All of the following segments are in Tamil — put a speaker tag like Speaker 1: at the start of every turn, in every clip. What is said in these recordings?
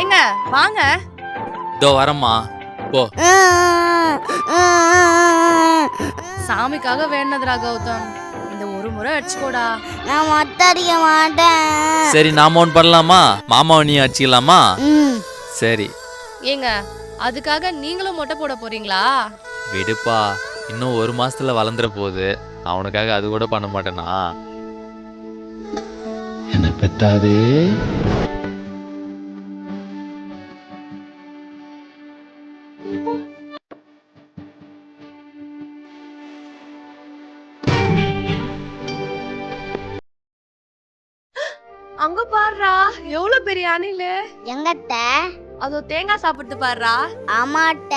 Speaker 1: ஏங்க வாங்க.
Speaker 2: இதோ வரம்மா போ.
Speaker 1: சாமிக்காக வேண்டதுடா கௌதம். இந்த ஒரு முறை அடிச்சுக்கோடா.
Speaker 3: நான் மொட்டை அடிக்க மாட்டேன்.
Speaker 2: சரி நாம ஒன்று பண்ணலாமா? மாமாவை நீ அடிச்சிக்கலாமா? சரி.
Speaker 1: ஏங்க அதுக்காக நீங்களும் மொட்டை போட போறீங்களா?
Speaker 2: விடுப்பா, இன்னும் 1 மாசத்துல வளர்ந்துற போகுது. அவனுக்காக அது கூட பண்ண மாட்டேனா?
Speaker 4: என்ன பெத்தாதே.
Speaker 1: அங்க பாருடா, எவ்வளவு பெரிய அணிலு.
Speaker 3: எங்கத்த?
Speaker 1: அதோ தேங்காய் சாப்பிட்டு பாருடா.
Speaker 3: ஆமாட்ட.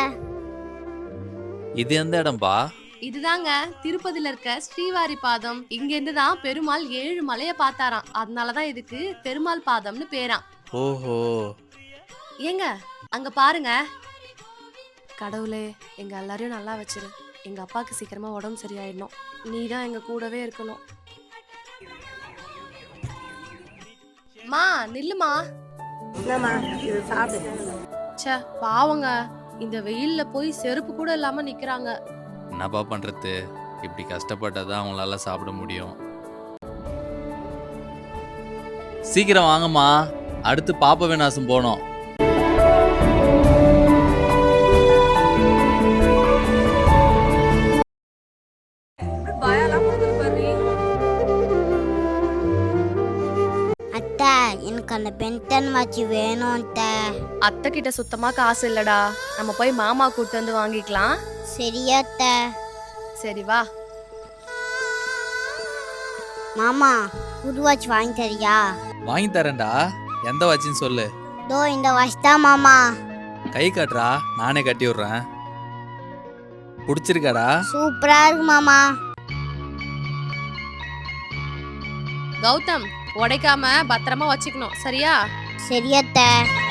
Speaker 2: இது எந்த இடம்பா?
Speaker 1: இதுதாங்க திருப்பதில இருக்க ஸ்ரீவாரி பாதம். இங்க இருந்துதான் பெருமாள் 7 மலைய பார்த்தாராம். அதனாலதான் இதுக்கு பெருமாள் பாதம்னு பேராம்.
Speaker 2: ஓஹோ.
Speaker 1: ஏங்க அங்க பாருங்க. கடவுளே, எங்க எல்லாரையும் நல்லா வச்சிரு. எங்க அப்பாக்கு சீக்கிரமா உடம்பு சரியாயிடணும். நீதான் எங்க கூடவே இருக்கணும். மா நில்லுமா. ச்சே பாவங்க, இந்த வெயில்ல போய் செருப்பு கூட இல்லாம நிக்கிறாங்க.
Speaker 2: என்னப்பா பண்றது? இப்படி கஷ்டப்பட்டாதான் அவங்களால சாப்பிட முடியும். சீக்கிரம் வாங்கம்மா, அடுத்து பாப்ப விநாசம் போனோம்.
Speaker 3: அத்தை, எனக்கு அந்த பென்டன் வாட்சி வேணும் அத்தை.
Speaker 1: அத்தை கிட்ட சுத்தமா காசு இல்லடா. நம்ம போய் மாமா கூட்டு வந்து வாங்கிக்கலாம்.
Speaker 3: சரியா அத்தை?
Speaker 1: சரி வா.
Speaker 3: மாமா, புது வாட்ச் வாங்கி தரியா?
Speaker 2: வாங்கி தரேன்டா. எந்த வாட்சின்னு சொல்லு.
Speaker 3: தோ இந்த வாட்ச் தான் மாமா.
Speaker 2: கை காட்டுறா, நானே கட்டி விடுறேன். பிடிச்சிருக்காடா?
Speaker 3: சூப்பரா இருக்கு மாமா.
Speaker 1: கௌதம், உடைக்காம பத்திரமா வச்சுக்கணும், சரியா?
Speaker 3: சரியா அத்தை?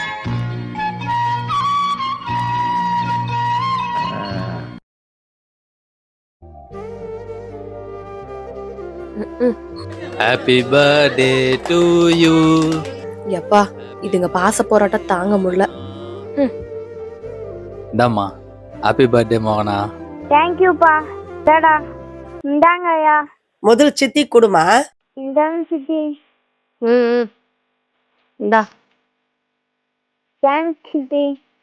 Speaker 2: Happy birthday to you.
Speaker 1: எப்பா, இதுங்க பாச போராட்டம் தாங்க முடியல.
Speaker 2: இந்தாம்மா, ஹாப்பி பர்த்டே மோகனா.
Speaker 3: தேங்க்யூப்பா. டடா இந்தாங்க ஐயா.
Speaker 5: முதல் சித்தி குடுமா.
Speaker 3: இந்தாங்க சித்தி.
Speaker 1: இந்தா.
Speaker 3: தேங்க்ஸ் சித்தி.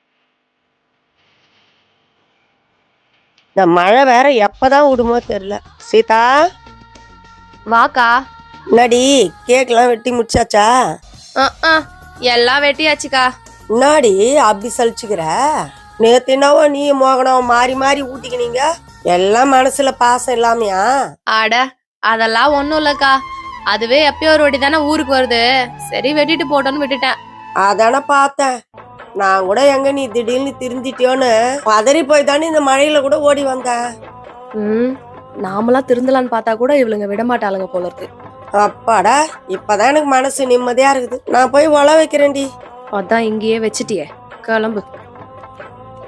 Speaker 5: இந்த மழை வேற எப்பதான் விடுமோ தெரியல. சீதா
Speaker 1: வாக்கா.
Speaker 5: முன்னாடி கேக்லாம் வெட்டி முடிச்சாச்சா?
Speaker 1: எல்லாம் வெட்டியாச்சுக்கா.
Speaker 5: முன்னாடி அப்படி சலிச்சுக்கிற. நேத்து என்னவோ நீ மோகனம் மாறி மாறி ஊட்டிக்கினீங்க. எல்லாம் மனசுல பாசம் இல்லாமையா?
Speaker 1: அட அதெல்லாம் ஒண்ணும் இல்லக்கா. அதுவே எப்பயோ ஒரு வாட்டி தானே ஊருக்கு வருது. சரி வெட்டிட்டு போட்டோன்னு விட்டுட்டேன்.
Speaker 5: அதான பார்த்தேன். நான் கூட எங்க நீ திடீர்னு திருந்திட்டியோன்னு பதறி போய் தானே இந்த மழையில கூட ஓடி வந்தேன்.
Speaker 1: நாமெல்லாம் திருந்தலான்னு பார்த்தா கூட இவளுங்க விடமாட்டாளுங்க போல இருக்கு.
Speaker 5: அப்பாடா, இப்பதான் எனக்கு மனசு நிம்மதியா இருக்குது. நான் போய் ஒல வைக்கிறேன்டி.
Speaker 1: அதான் இங்கேயே வச்சுட்டியே, கிளம்பு.